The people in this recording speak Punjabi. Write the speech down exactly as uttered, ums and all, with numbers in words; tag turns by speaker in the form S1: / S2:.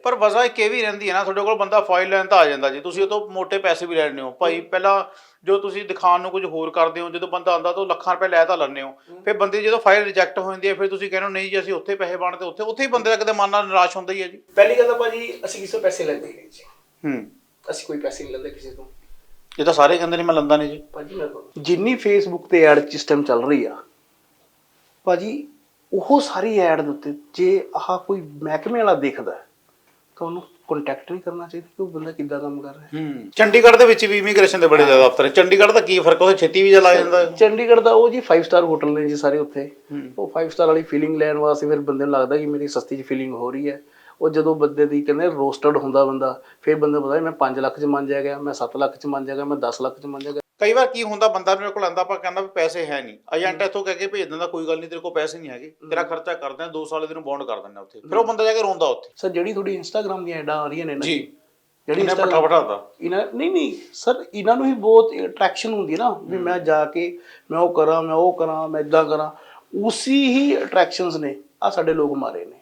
S1: ਪਰ ਵਜ੍ਹਾ ਇੱਕ ਇਹ ਵੀ ਰਹਿੰਦੀ ਹੈ ਨਾ, ਤੁਹਾਡੇ ਕੋਲ ਬੰਦਾ ਫਾਈਲ ਲੈਣ ਤਾਂ ਆ ਜਾਂਦਾ ਜੀ, ਤੁਸੀਂ ਉਹ ਤੋਂ ਮੋਟੇ ਪੈਸੇ ਵੀ ਲੈਣੇ ਹੋ ਭਾਈ। ਪਹਿਲਾਂ ਜੋ ਤੁਸੀਂ ਦਿਖਾਉਣ ਨੂੰ ਕੁਝ ਹੋਰ ਕਰਦੇ ਹੋ, ਜਦੋਂ ਬੰਦਾ ਆਉਂਦਾ ਤਾਂ ਲੱਖਾਂ ਰੁਪਏ ਲੈ ਤਾਂ ਲੈਂਦੇ ਹੋ, ਫਿਰ ਬੰਦੇ ਜਦੋਂ ਫਾਈਲ ਰਿਜੈਕਟ ਹੋ ਜਾਂਦੀ ਹੈ ਫਿਰ ਤੁਸੀਂ ਕਹਿੰਦੇ ਹੋ ਨਹੀਂ ਜੀ ਅਸੀਂ ਉੱਥੇ ਪੈਸੇ ਬਣਦੇ, ਉੱਥੇ ਉੱਥੇ ਹੀ ਬੰਦੇ ਦਾ ਕਿਤੇ ਮਨ ਨਾਲ ਨਿਰਾਸ਼ ਹੁੰਦਾ ਹੀ ਹੈ ਜੀ।
S2: ਪਹਿਲੀ ਗੱਲ ਤਾਂ ਭਾਜੀ ਅਸੀਂ ਕਿਸੇ ਤੋਂ ਪੈਸੇ ਲੈਂਦੇ ਹੀ ਨਹੀਂ ਜੀ।
S1: ਹੂੰ,
S2: ਅਸੀਂ ਕੋਈ ਪੈਸੇ ਨਹੀਂ ਲੈਂਦੇ ਕਿਸੇ ਤੋਂ।
S1: ਇਹ ਤਾਂ ਸਾਰੇ ਕਹਿੰਦੇ ਨੇ ਮੈਂ ਲੈਂਦਾ ਨਹੀਂ ਜੀ।
S2: ਭਾਜੀ ਮੈਂ ਜਿੰਨੀ ਫੇਸਬੁੱਕ ਤੇ ਐਡ ਸਿਸਟਮ ਚੱਲ ਰਹੀ ਆ ਭਾਜੀ, ਉਹ ਸਾਰੀ ਐਡ ਦੇ ਉੱਤੇ ਜੇ ਆਹ ਕੋਈ ਮਹਿਕਮੇ ਵਾਲਾ ਦੇਖਦਾ ਤਾਂ ਉਹਨੂੰ ਕੰਟੈਕਟ ਨਹੀਂ ਕਰਨਾ ਚਾਹੀਦਾ ਕਿ ਉਹ ਬੰਦਾ ਕਿੱਦਾਂ ਕੰਮ ਕਰ ਰਿਹਾ।
S1: ਹੂੰ, ਚੰਡੀਗੜ੍ਹ ਦੇ ਵਿੱਚ ਵੀ ਇਮੀਗ੍ਰੇਸ਼ਨ ਦੇ ਬੜੇ ਜ਼ਿਆਦਾ ਦਫ਼ਤਰ ਹੈ। ਚੰਡੀਗੜ੍ਹ ਦਾ ਕੀ ਫਰਕ, ਉੱਥੇ ਛੇਤੀ ਵੀਜ਼ਾ ਲੱਗ ਜਾਂਦਾ।
S2: ਚੰਡੀਗੜ੍ਹ ਦਾ ਉਹ ਜੀ ਫਾਈਵ ਸਟਾਰ ਹੋਟਲ ਨੇ ਜੀ ਸਾਰੇ ਉੱਥੇ। ਉਹ ਫਾਈਵ ਸਟਾਰ ਵਾਲੀ ਫੀਲਿੰਗ ਲੈਣ ਵਾਸਤੇ ਫਿਰ ਬੰਦੇ ਨੂੰ ਲੱਗਦਾ ਕਿ ਮੇਰੀ ਸਸਤੀ 'ਚ ਫੀਲਿੰਗ ਹੋ ਰਹੀ ਹੈ। ਉਹ ਜਦੋਂ ਬੰਦੇ ਦੀ ਕਹਿੰਦੇ ਰੋਸਟਡ ਹੁੰਦਾ ਬੰਦਾ, ਫਿਰ ਬੰਦਾ ਪਤਾ ਮੈਂ ਪੰਜ ਲੱਖ 'ਚ ਮੰਨ ਜਾਏਗਾ, ਮੈਂ ਸੱਤ ਲੱਖ 'ਚ ਮੰਨ ਜਾਏਗਾ, ਮੈਂ ਦਸ ਲੱਖ 'ਚ ਮੰਨ ਜਾਏਗਾ।
S1: ਕਈ ਵਾਰ ਕੀ ਹੁੰਦਾ, ਬੰਦਾ ਮੇਰੇ ਕੋਲ ਆਂਦਾ, ਆਪਾਂ ਕਹਿੰਦਾ ਵੀ ਪੈਸੇ ਹੈ ਨਹੀਂ, ਏਜੰਟ ਇੱਥੋਂ ਕਹਿ ਕੇ ਭੇਜ ਦਿੰਦਾ ਕੋਈ ਗੱਲ ਨਹੀਂ ਤੇਰੇ ਕੋਲ ਪੈਸੇ ਨਹੀਂ ਹੈਗੇ, ਤੇਰਾ ਖਰਚਾ ਕਰਦੇ ਆ, ਦੋ ਸਾਲ ਤੈਨੂੰ ਬੌਂਡ ਕਰ ਦਿੰਦੇ ਉੱਥੇ। ਫਿਰ ਉਹ ਬੰਦਾ ਜਾ ਕੇ ਰੋਂਦਾ ਉੱਥੇ।
S2: ਸਰ ਜਿਹੜੀ ਤੁਹਾਡੀ ਇੰਸਟਾਗ੍ਰਾਮ ਦੀਆਂ ਐਡਾਂ ਆ ਰਹੀਆਂ ਨੇ ਨਾ
S1: ਜੀ,
S2: ਜਿਹੜੀ
S1: ਇਹਨੇ ਪੱਠਾ ਪਠਾਤਾ
S2: ਇਹਨਾਂ ਨਹੀਂ ਨਹੀਂ ਸਰ, ਇਹਨਾਂ ਨੂੰ ਹੀ ਬਹੁਤ ਅਟਰੈਕਸ਼ਨ ਹੁੰਦੀ ਹੈ ਨਾ ਵੀ ਮੈਂ ਜਾ ਕੇ ਮੈਂ ਉਹ ਕਰਾਂ, ਮੈਂ ਉਹ ਕਰਾਂ, ਮੈਂ ਇੱਦਾਂ ਕਰਾਂ। ਉਸੀ ਹੀ ਅਟਰੈਕਸ਼ਨਸ ਨੇ ਆ ਸਾਡੇ ਲੋਕ ਮਾਰੇ ਨੇ।